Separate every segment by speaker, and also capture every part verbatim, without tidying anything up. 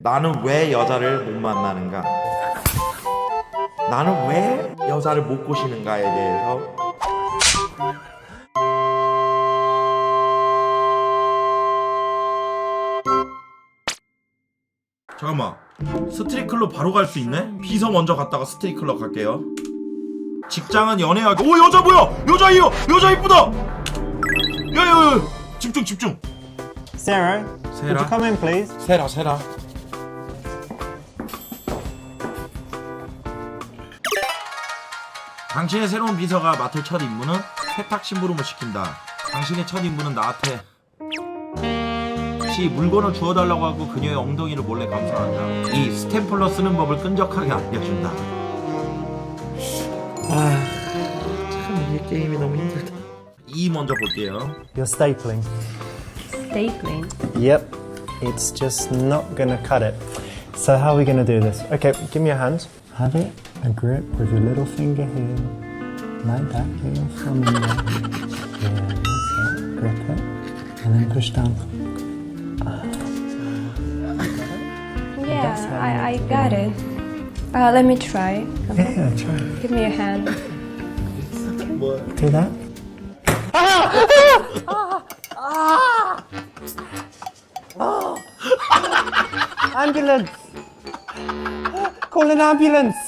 Speaker 1: 나는 왜 여자를 못 만나는가? 나는 왜 여자를 못 꼬시는가에 대해서 잠깐만, 스트릿클럽 바로 갈 수 있네? 비서 먼저 갔다가 스트릿클럽 갈게요. 직장은 연애하기. 오, 여자 뭐야? 여자예요. 여자 이쁘다. 야야야, 집중 집중.
Speaker 2: Sarah, could you come in, please?
Speaker 1: 세라 세라. 당신의 새로운 비서가 맡을 첫 임무는 세탁 심부름을 시킨다. 당신의 첫 임무는 나한테 시 물건을 주워달라고 하고 그녀의 엉덩이를 몰래 감싸한다. 이 스탬플러 쓰는 법을 끈적하게 알려준다. 아, 참 이 게임이 너무 힘들다. 이 먼저 볼게요.
Speaker 2: You're stapling.
Speaker 3: Stapling.
Speaker 2: Yep, it's just not gonna cut it. So how are we gonna do this? Okay, give me your hand. Have it a grip with your little finger here, like that. Get your thumb in there. Yeah, that's it. Grip it, and then push down.
Speaker 3: Yeah, I, I got it. Uh, let me try.
Speaker 2: Yeah, try.
Speaker 3: Give me a hand.
Speaker 2: Do that. Ambulance! Call an ambulance!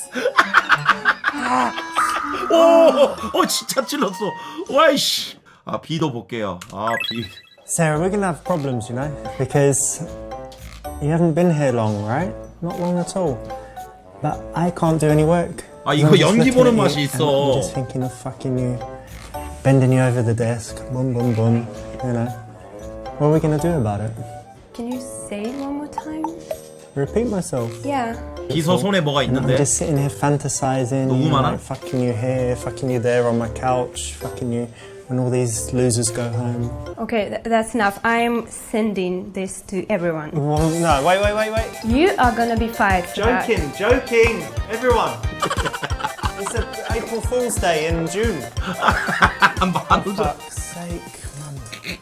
Speaker 1: 오, 어 진짜 찔렀어. 와이씨. 아 비도 볼게요. 아 비.
Speaker 2: Sarah, we're gonna have problems, you know, because you haven't been here long, right? Not long at all. But I can't do any work.
Speaker 1: 아, 이거
Speaker 2: I'm just
Speaker 1: 연기
Speaker 2: looking
Speaker 1: 보는
Speaker 2: at you
Speaker 1: 맛이
Speaker 2: and
Speaker 1: 있어.
Speaker 2: I'm just thinking of fucking you, bending you over the desk, boom, boom, boom. You know, what are we gonna do about it?
Speaker 3: Can you say it one more time?
Speaker 2: Repeat myself.
Speaker 3: Yeah.
Speaker 1: 비서 손에 뭐가
Speaker 2: And I'm
Speaker 1: 있는데?
Speaker 2: just sitting here fantasizing, you
Speaker 1: 너무
Speaker 2: know,
Speaker 1: 많아?
Speaker 2: like fucking you here, fucking you there on my couch, fucking you when all these losers go home.
Speaker 3: Okay, th- that's enough. I'm sending this to everyone.
Speaker 2: Well, no, wait, wait, wait, wait.
Speaker 3: You are gonna be fired for that.
Speaker 2: Joking, joking, everyone. It's a April Fool's Day in June.
Speaker 1: 한번
Speaker 2: Fuck's sake, man.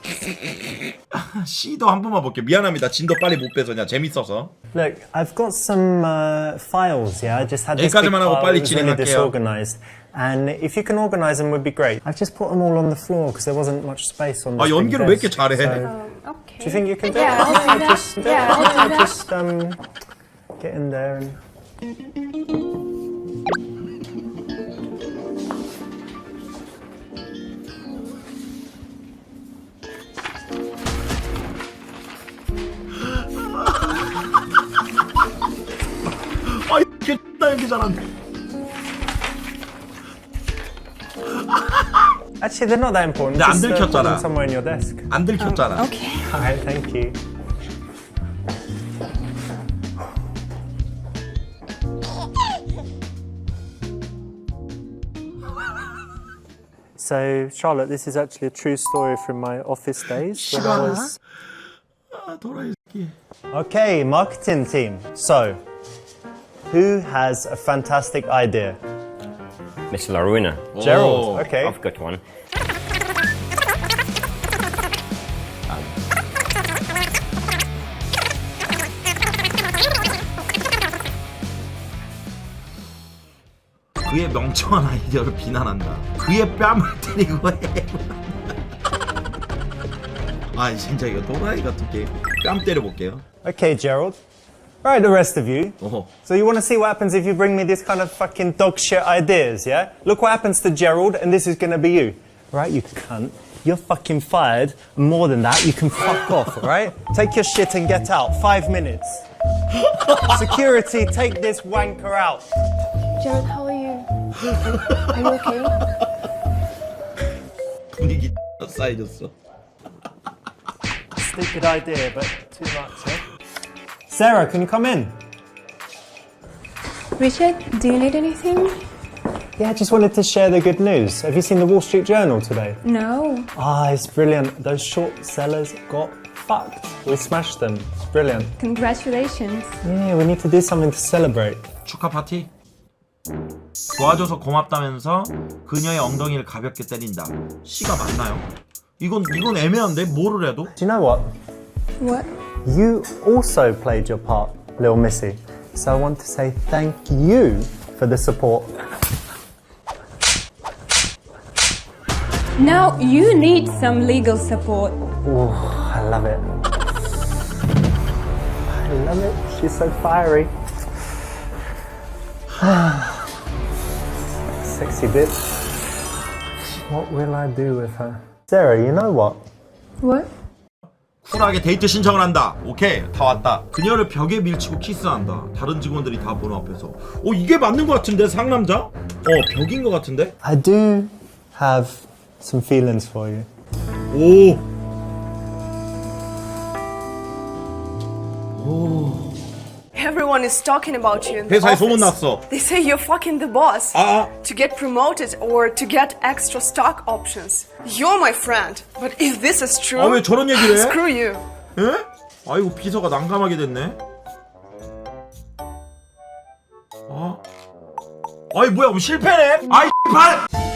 Speaker 1: C도 한 번만 볼게요. 미안합니다. 진도 빨리 못 빼서 그냥 재밌어서.
Speaker 2: Look, I've got some uh, files. Yeah, I just had this big
Speaker 1: 여기까지만 하고
Speaker 2: file.
Speaker 1: 빨리
Speaker 2: It was really
Speaker 1: 진행할게요.
Speaker 2: disorganized, and if you can organize them, would be great. I've just put them all on the floor because there wasn't much space on.
Speaker 1: 아
Speaker 2: This big
Speaker 1: 연기를 왜 이렇게
Speaker 2: desk.
Speaker 1: 잘해?
Speaker 2: So,
Speaker 3: Um, okay.
Speaker 2: do you think you can do
Speaker 3: Yeah,
Speaker 2: it?
Speaker 3: I'll do that.
Speaker 2: Just,
Speaker 3: Yeah, I'll do that.
Speaker 2: just um, get in there and.
Speaker 1: 아 이렇게 나 연기 잘한다.
Speaker 2: Actually, they're not that important.
Speaker 1: 근데 안
Speaker 2: Just uh, put
Speaker 1: 들켰잖아.
Speaker 2: them somewhere in your desk.
Speaker 1: 안 들켰잖아.
Speaker 3: Okay.
Speaker 2: Alright, thank you. So, Charlotte, this is actually a true story from my office days when I was.
Speaker 1: 아 도라이 새끼.
Speaker 2: Okay, marketing team. So, who has a fantastic idea?
Speaker 4: Mister Laruna.
Speaker 2: Gerald.
Speaker 1: 오.
Speaker 2: Okay.
Speaker 4: I've got one.
Speaker 1: 그의 멍청한 아이디어를 비난한다. 그의 뺨을 때리고 해. 아 진짜 이거 도라이 같은 게임. 뺨 때려볼게요.
Speaker 2: Okay, Gerald. Right, the rest of you.
Speaker 1: 어허.
Speaker 2: So you want to see what happens if you bring me this kind of fucking dog shit ideas, yeah? Look what happens to Gerald, and this is going to be you. Right, you cunt. You're fucking fired. More than that, you can fuck off, right? Take your shit and get out. Five minutes. Security, take this wanker out.
Speaker 3: Jared, how are you? Are you okay?
Speaker 1: 분위기 쌓여졌어.
Speaker 2: Stupid idea, but too much, eh? Sarah, can you come in?
Speaker 3: Richard, do you need anything?
Speaker 2: Yeah, I just wanted to share the good news. Have you seen the Wall Street Journal today?
Speaker 3: No.
Speaker 2: Ah, it's brilliant. Those short sellers got fucked. We smashed them. It's brilliant.
Speaker 3: Congratulations.
Speaker 2: Yeah, we need to do something to celebrate.
Speaker 1: 축하 파티? 도와줘서 고맙다면서 그녀의 엉덩이를 가볍게 때린다. C가 맞나요? 이건 이건 애매한데 뭐를 해도?
Speaker 2: Do you know what?
Speaker 3: What?
Speaker 2: You also played your part. little missy. So I want to say thank you for the support.
Speaker 3: Now you need some legal support.
Speaker 2: Oh, I love it. I love it. She's so fiery. Sexy bitch. What will I do with her? Sarah, you know what?
Speaker 3: What?
Speaker 1: 쿨하게 데이트 신청을 한다. 오케이, 다 왔다. 그녀를 벽에 밀치고 키스한다. 다른 직원들이 다 보는 앞에서. 오, 이게 맞는 것 같은데, 상남자? 어, 벽인 것 같은데?
Speaker 2: I do have some feelings for you.
Speaker 1: 오.
Speaker 5: Everyone is talking about you in the
Speaker 1: 회사에
Speaker 5: office.
Speaker 1: 소문났어.
Speaker 5: They say you're fucking the boss.
Speaker 1: 아,
Speaker 5: To get promoted or to get extra stock options. You're my friend. But if this is true,
Speaker 1: 아, 왜 저런 얘기를 해?
Speaker 5: screw you.
Speaker 1: 에? 아이고, 비서가 난감하게 됐네. 아. 아이, 뭐야, 그럼 실패네? 아이, 발!